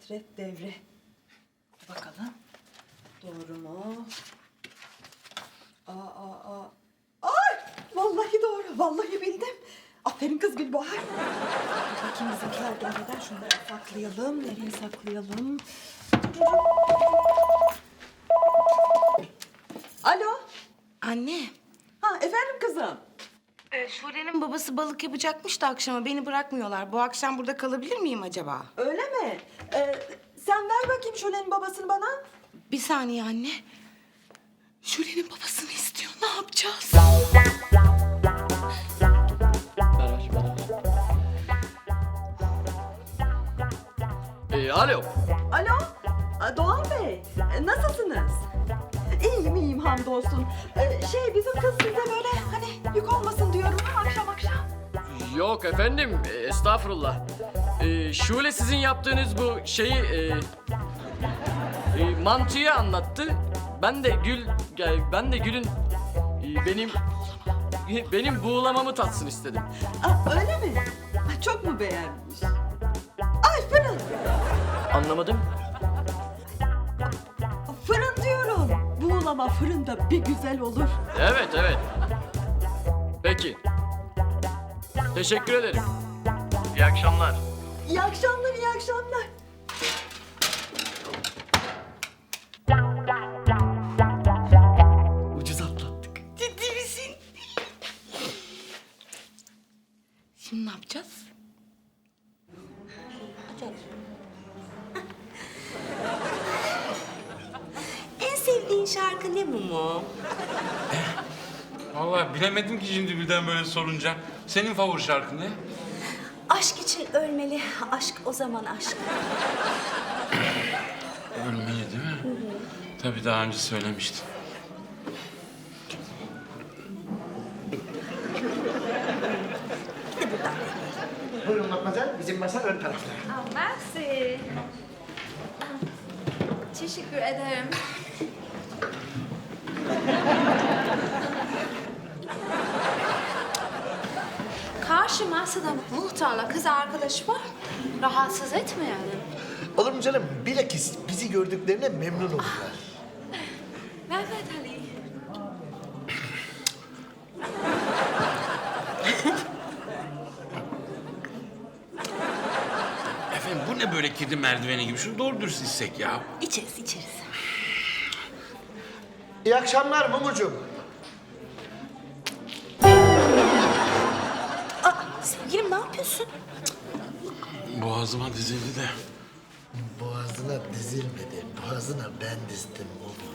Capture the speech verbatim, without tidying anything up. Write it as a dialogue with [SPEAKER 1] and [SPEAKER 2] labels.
[SPEAKER 1] ahiret devri. Bakalım. Doğru mu? Aa, aa, aa. Ay! Vallahi doğru. Vallahi bildim. Aferin kız Gülbahar. Dur bakayım bizimkiler gelmeden şunları saklayalım. Nereye saklayalım? Alo.
[SPEAKER 2] Anne,
[SPEAKER 1] Ha efendim kızım.
[SPEAKER 2] e, Şule'nin babası balık yapacakmış da akşama beni bırakmıyorlar. Bu akşam burada kalabilir miyim acaba?
[SPEAKER 1] Öyle mi? Ee, sen ver bakayım Şule'nin babasını bana.
[SPEAKER 2] Bir saniye anne. Şule'nin babasını istiyor. Ne yapacağız?
[SPEAKER 3] Ee, alo.
[SPEAKER 1] Alo. Aa, Doğan Bey. e, Nasılsınız? İyiyim iyiyim hamdolsun. Ee, şey bizim kız size böyle hani yük olmasın diyorum ama akşam akşam.
[SPEAKER 3] Yok efendim, e, estağfurullah. Ee, Şule sizin yaptığınız bu şeyi, e, e, mantıyı anlattı. Ben de Gül, ya ben de Gül'ün e, benim benim buğulamamı tatsın istedim.
[SPEAKER 1] Aa, öyle mi? Ay, çok mu beğenmiş? Ay fırın.
[SPEAKER 3] Anlamadım.
[SPEAKER 1] Fırın diyorum. Buğulama fırında bir güzel olur.
[SPEAKER 3] Evet, evet. Peki. Teşekkür ederim. İyi akşamlar.
[SPEAKER 1] İyi akşamlar, iyi akşamlar.
[SPEAKER 3] Ucuz atlattık.
[SPEAKER 2] Ciddi misin? Şimdi ne yapacağız? En sevdiğin şarkı ne Mumu?
[SPEAKER 4] Vallahi bilemedim ki şimdi birden böyle sorunca. Senin favori şarkın ne?
[SPEAKER 5] Aşk için ölmeli, aşk o zaman aşk.
[SPEAKER 4] Ölmeli değil mi? Tabii daha önce söylemiştin.
[SPEAKER 6] Buyurun Matmazel, bizim masa ön tarafta.
[SPEAKER 7] Ah, merci. Teşekkür ederim. Karşı masada muhtarla kız arkadaş var. Rahatsız etmeyelim.
[SPEAKER 6] Olur mu canım? Bilakis bizi gördüklerine memnun olurlar.
[SPEAKER 7] Mehmet Ali.
[SPEAKER 4] Efendim bu ne böyle kedi merdiveni gibi? Şunu doğru dürüst içsek ya.
[SPEAKER 5] İçeriz, içeriz.
[SPEAKER 6] İyi akşamlar Mumucuğum.
[SPEAKER 5] Aa, sevgilim ne yapıyorsun?
[SPEAKER 4] Boğazıma dizildi de.
[SPEAKER 6] Boğazına dizilmedi, boğazına ben dizdim Mumu.